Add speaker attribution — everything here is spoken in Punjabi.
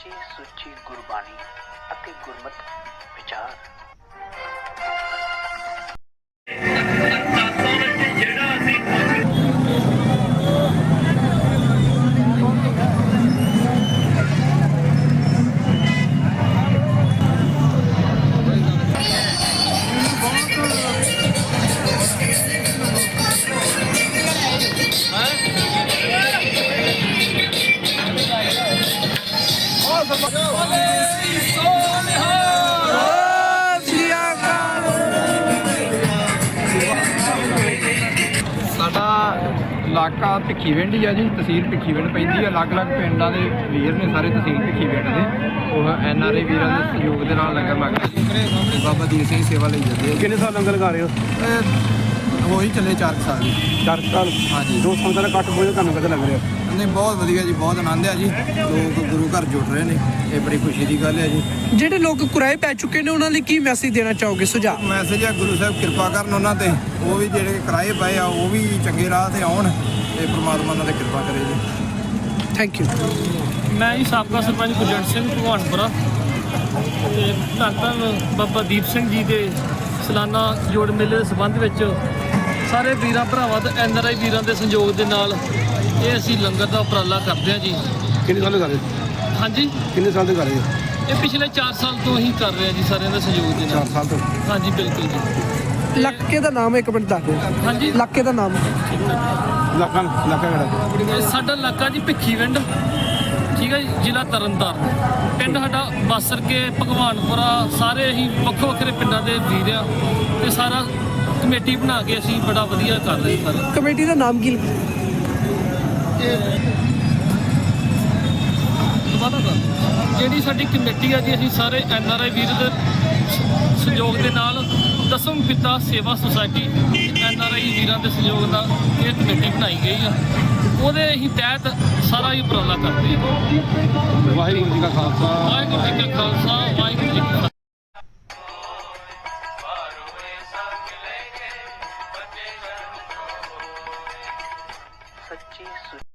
Speaker 1: ਸੱਚੀ ਸੁੱਚੀ ਗੁਰਬਾਣੀ ਅਤੇ ਗੁਰਮਤਿ ਵਿਚਾਰ।
Speaker 2: ਸਾਡਾ ਇਲਾਕਾ ਭਿੱਖੀਵਿੰਡ ਹੀ ਆ ਜੀ, ਤਹਿਸੀਲ ਭਿੱਖੀਵਿੰਡ ਪੈਂਦੀ ਆ। ਅਲੱਗ-ਅਲੱਗ ਪਿੰਡਾਂ ਦੇ ਵੀਰ ਨੇ ਸਾਰੇ ਤਹਿਸੀਲ ਭਿੱਖੀਵਿੰਡ ਦੇ, ਉਹ NRI ਵੀਰਾਂ ਦੇ ਸਹਿਯੋਗ ਦੇ ਨਾਲ ਲੰਗਰ ਲੱਗ ਰਿਹਾ। ਬਾਬਾ ਦੀਪ ਸਿੰਘ ਸੇਵਾ ਲਈ ਜਾਂਦੇ ਆ।
Speaker 3: ਕਿੰਨੇ ਸਾਲ ਲੰਗਰ ਲਗਾ ਰਹੇ ਹੋ?
Speaker 2: ਉਹੀ ਚੱਲੇ 4 ਸਾਲ ਜੀ।
Speaker 3: 4 ਸਾਲ।
Speaker 2: ਹਾਂਜੀ।
Speaker 3: ਦੋ ਸੰਗਤਾਂ ਦਾ ਇਕੱਠ ਬਹੁਤ ਤੁਹਾਨੂੰ ਕਿੱਦਾਂ ਲੱਗ ਰਿਹਾ?
Speaker 2: ਨਹੀਂ, ਬਹੁਤ ਵਧੀਆ ਜੀ, ਬਹੁਤ ਆਨੰਦ ਆ ਜੀ। ਲੋਕ ਗੁਰੂ ਘਰ ਜੁੜ ਰਹੇ ਨੇ, ਇਹ ਬੜੀ ਖੁਸ਼ੀ ਦੀ ਗੱਲ ਹੈ ਜੀ।
Speaker 4: ਜਿਹੜੇ ਲੋਕ ਕੁਰਾਏ ਪੈ ਚੁੱਕੇ ਨੇ ਉਹਨਾਂ ਲਈ ਕੀ ਮੈਸੇਜ ਦੇਣਾ ਚਾਹੋਗੇ, ਸੁਝਾਅ?
Speaker 2: ਮੈਸੇਜ ਹੈ ਗੁਰੂ ਸਾਹਿਬ ਕਿਰਪਾ ਕਰਨ ਉਹਨਾਂ ਤੇ, ਉਹ ਵੀ ਜਿਹੜੇ ਕਿਰਾਏ ਪਏ ਆ ਉਹ ਵੀ ਚੰਗੇ ਰਾਹ ਤੇ ਆਉਣ ਤੇ ਪ੍ਰਮਾਤਮਾ ਉਹਨਾਂ ਤੇ ਕਿਰਪਾ ਕਰੇ ਜੀ।
Speaker 4: Thank you.
Speaker 5: ਮੈਂ ਜੀ ਸਾਬਕਾ ਸਰਪੰਚ ਗੁਰਜੰਟ ਸਿੰਘ ਭਗਵਾਨਪੁਰਾ ਤੇ ਧੰਨ ਧੰਨ ਬਾਬਾ ਦੀਪ ਸਿੰਘ ਜੀ ਦੇ ਸਾਲਾਨਾ ਜੋੜ ਮੇਲੇ ਦੇ ਸੰਬੰਧ ਵਿੱਚ ਸਾਰੇ ਵੀਰਾਂ ਭਰਾਵਾਂ ਤੇ NRI ਵੀਰਾਂ ਦੇ ਸਹਿਯੋਗ ਦੇ ਨਾਲ ਇਹ ਅਸੀਂ ਲੰਗਰ ਦਾ ਉਪਰਾਲਾ ਕਰਦੇ ਹਾਂ ਜੀ।
Speaker 3: ਕਿੰਨੇ ਸਾਲ ਤੋਂ ਕਰ ਰਹੇ ਹੋ?
Speaker 5: ਹਾਂਜੀ,
Speaker 3: ਕਿੰਨੇ ਸਾਲ ਤੋਂ ਕਰ ਰਹੇ ਹੋ?
Speaker 5: ਇਹ ਪਿਛਲੇ 4 ਸਾਲ ਤੋਂ ਹੀ ਕਰ ਰਹੇ ਹਾਂ ਜੀ, ਸਾਰਿਆਂ ਦੇ ਸਹਿਯੋਗ ਦੇ
Speaker 3: 4
Speaker 5: ਨਾਲ।
Speaker 3: ਸਾਲ ਤੋਂ।
Speaker 5: ਹਾਂਜੀ, ਬਿਲਕੁਲ ਜੀ।
Speaker 4: ਇਲਾਕੇ ਦਾ ਨਾਮ ਇੱਕ ਮਿੰਟ ਦੱਸ ਦਿਓ।
Speaker 5: ਹਾਂਜੀ,
Speaker 4: ਇਲਾਕੇ ਦਾ ਨਾਮ?
Speaker 3: ਇਲਾਕਾ ਕਿਹੜਾ?
Speaker 5: ਇਹ ਸਾਡਾ ਇਲਾਕਾ ਜੀ ਭਿੱਖੀਵਿੰਡ, ਠੀਕ ਹੈ ਜੀ, ਜ਼ਿਲ੍ਹਾ ਤਰਨਤਾਰਨ। ਪਿੰਡ ਸਾਡਾ ਬਾਸਰ ਕੇ ਭਗਵਾਨਪੁਰਾ, ਸਾਰੇ ਅਸੀਂ ਵੱਖੋ ਵੱਖਰੇ ਪਿੰਡਾਂ ਦੇ ਵੀਰ ਆ ਤੇ ਸਾਰਾ ਕਮੇਟੀ ਬਣਾ ਕੇ ਅਸੀਂ ਬੜਾ ਵਧੀਆ ਕਰ ਰਹੇ ਹਾਂ।
Speaker 4: ਕਮੇਟੀ ਦਾ ਨਾਮ ਕੀ?
Speaker 5: ਜਿਹੜੀ ਸਾਡੀ ਕਮੇਟੀ ਆ ਜੀ, ਅਸੀਂ ਸਾਰੇ NRI ਵੀਰ ਦੇ ਸਹਿਯੋਗ ਦੇ ਨਾਲ ਦਸਮ ਪਿਤਾ ਸੇਵਾ ਸੁਸਾਇਟੀ NRI ਵੀਰਾਂ ਦੇ ਸਹਿਯੋਗ ਨਾਲ ਇਹ ਕਮੇਟੀ ਬਣਾਈ ਗਈ ਆ। ਉਹਦੇ ਅਸੀਂ ਤਹਿਤ ਸਾਰਾ ਹੀ ਉਪਰਾਲਾ ਕਰਦੇ ਹਾਂ।
Speaker 3: ਵਾਹਿਗੁਰੂ ਜੀ ਕਾ ਖਾਲਸਾ,
Speaker 5: ਵਾਹਿਗੁਰੂ ਜੀ ਕਾ ਖਾਲਸਾ, ਵਾਹਿਗੁਰੂ ਜੀ ਕੀ ਫਤਿਹ।
Speaker 1: ਸੱਚੀ